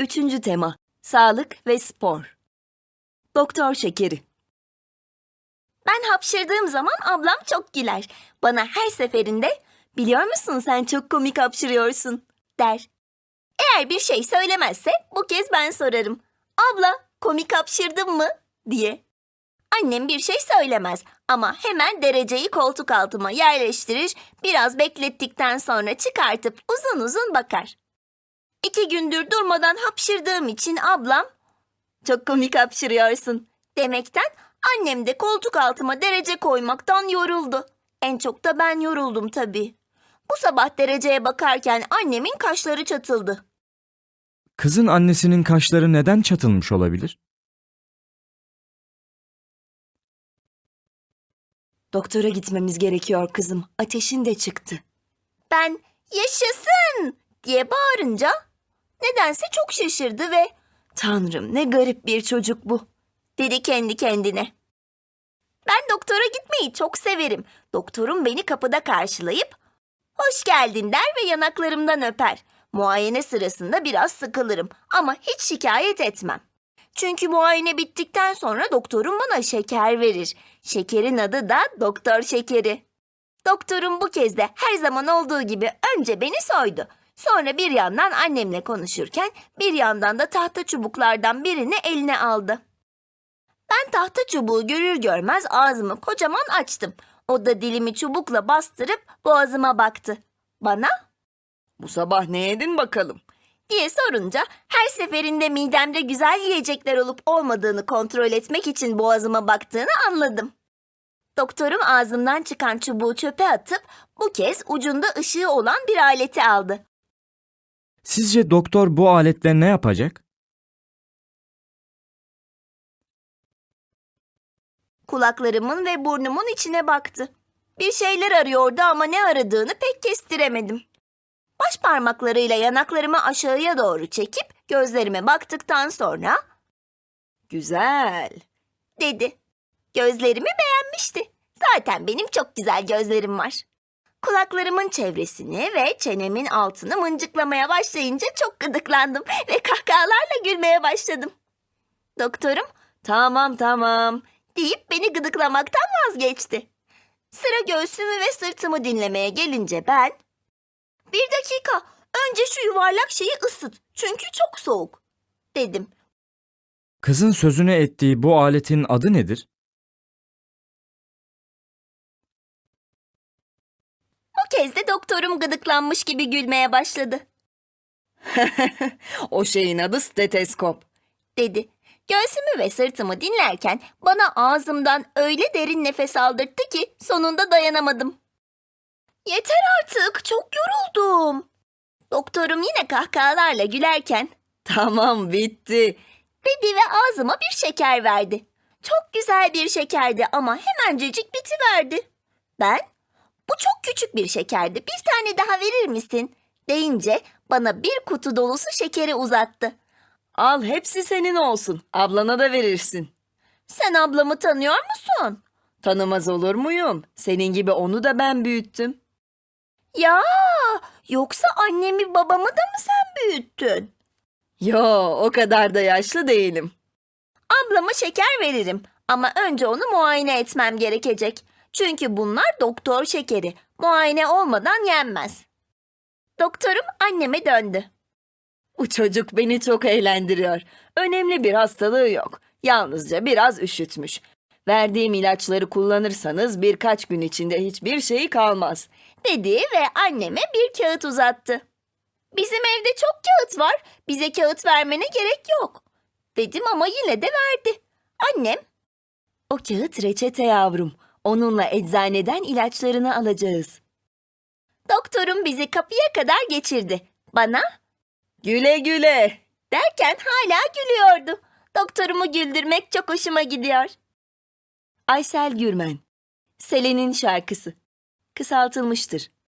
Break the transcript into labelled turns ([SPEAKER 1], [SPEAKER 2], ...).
[SPEAKER 1] Üçüncü tema, sağlık ve spor. Doktor şekeri. Ben hapşırdığım zaman ablam çok güler. Bana her seferinde, "Biliyor musun sen çok komik hapşırıyorsun," der. Eğer bir şey söylemezse bu kez ben sorarım. "Abla, komik hapşırdın mı?" diye. Annem bir şey söylemez ama hemen dereceyi koltuk altıma yerleştirir, biraz beklettikten sonra çıkartıp uzun uzun bakar. 2 gündür durmadan hapşırdığım için ablam, "Çok komik hapşırıyorsun," demekten, annem de koltuk altıma derece koymaktan yoruldu. En çok da ben yoruldum tabii. Bu sabah dereceye bakarken annemin kaşları çatıldı.
[SPEAKER 2] Kızın annesinin kaşları neden çatılmış olabilir?
[SPEAKER 1] "Doktora gitmemiz gerekiyor kızım, ateşin de çıktı." Ben "Yaşasın!" diye bağırınca nedense çok şaşırdı ve "Tanrım, ne garip bir çocuk bu," dedi kendi kendine. Ben doktora gitmeyi çok severim. Doktorum beni kapıda karşılayıp "Hoş geldin," der ve yanaklarımdan öper. Muayene sırasında biraz sıkılırım ama hiç şikayet etmem. Çünkü muayene bittikten sonra doktorum bana şeker verir. Şekerin adı da doktor şekeri. Doktorum bu kez de her zaman olduğu gibi önce beni soydu. Sonra bir yandan annemle konuşurken bir yandan da tahta çubuklardan birini eline aldı. Ben tahta çubuğu görür görmez ağzımı kocaman açtım. O da dilimi çubukla bastırıp boğazıma baktı. Bana
[SPEAKER 3] Bu sabah ne yedin bakalım?
[SPEAKER 1] diye sorunca her seferinde midemde güzel yiyecekler olup olmadığını kontrol etmek için boğazıma baktığını anladım. Doktorum ağzımdan çıkan çubuğu çöpe atıp bu kez ucunda ışığı olan bir aleti aldı.
[SPEAKER 2] Sizce doktor bu aletle ne yapacak?
[SPEAKER 1] Kulaklarımın ve burnumun içine baktı. Bir şeyler arıyordu ama ne aradığını pek kestiremedim. Baş parmaklarıyla yanaklarımı aşağıya doğru çekip gözlerime baktıktan sonra
[SPEAKER 3] Güzel.
[SPEAKER 1] dedi. Gözlerimi beğenmişti. Zaten benim çok güzel gözlerim var. Kulaklarımın çevresini ve çenemin altını mıncıklamaya başlayınca çok gıdıklandım ve kahkahalarla gülmeye başladım. Doktorum tamam deyip beni gıdıklamaktan vazgeçti. Sıra göğsümü ve sırtımı dinlemeye gelince ben, "Bir dakika, önce şu yuvarlak şeyi ısıt çünkü çok soğuk," dedim.
[SPEAKER 2] Kızın sözünü ettiği bu aletin adı nedir?
[SPEAKER 1] Bu kez de doktorum gıdıklanmış gibi gülmeye başladı.
[SPEAKER 3] O şeyin adı steteskop.
[SPEAKER 1] Dedi. Göğsümü ve sırtımı dinlerken bana ağzımdan öyle derin nefes aldırttı ki sonunda dayanamadım. "Yeter artık, çok yoruldum." Doktorum yine kahkahalarla gülerken
[SPEAKER 3] Tamam, bitti.
[SPEAKER 1] dedi ve ağzıma bir şeker verdi. Çok güzel bir şekerdi ama hemencecik bitiverdi. Ben, "Bu çok küçük bir şekerdi, bir tane daha verir misin?" deyince bana bir kutu dolusu şekeri uzattı.
[SPEAKER 3] Al, hepsi senin olsun. Ablana da verirsin.
[SPEAKER 1] "Sen ablamı tanıyor musun?"
[SPEAKER 3] Tanımaz olur muyum? Senin gibi onu da ben büyüttüm.
[SPEAKER 1] "Ya, yoksa annemi babamı da mı sen büyüttün?"
[SPEAKER 3] Yo, o kadar da yaşlı değilim.
[SPEAKER 1] "Ablama şeker veririm ama önce onu muayene etmem gerekecek. Çünkü bunlar doktor şekeri. Muayene olmadan yenmez." Doktorum anneme döndü.
[SPEAKER 3] Bu çocuk beni çok eğlendiriyor. Önemli bir hastalığı yok. Yalnızca biraz üşütmüş. Verdiğim ilaçları kullanırsanız birkaç gün içinde hiçbir şey kalmaz.
[SPEAKER 1] Dedi ve anneme bir kağıt uzattı. "Bizim evde çok kağıt var. Bize kağıt vermene gerek yok," dedim ama yine de verdi. Annem,
[SPEAKER 3] O kağıt reçete yavrum. Onunla eczaneden ilaçlarını alacağız.
[SPEAKER 1] doktorum bizi kapıya kadar geçirdi. Bana
[SPEAKER 3] Güle güle.
[SPEAKER 1] derken hala gülüyordu. Doktorumu güldürmek çok hoşuma gidiyor.
[SPEAKER 3] Aysel Gürmen. Selen'in şarkısı. Kısaltılmıştır.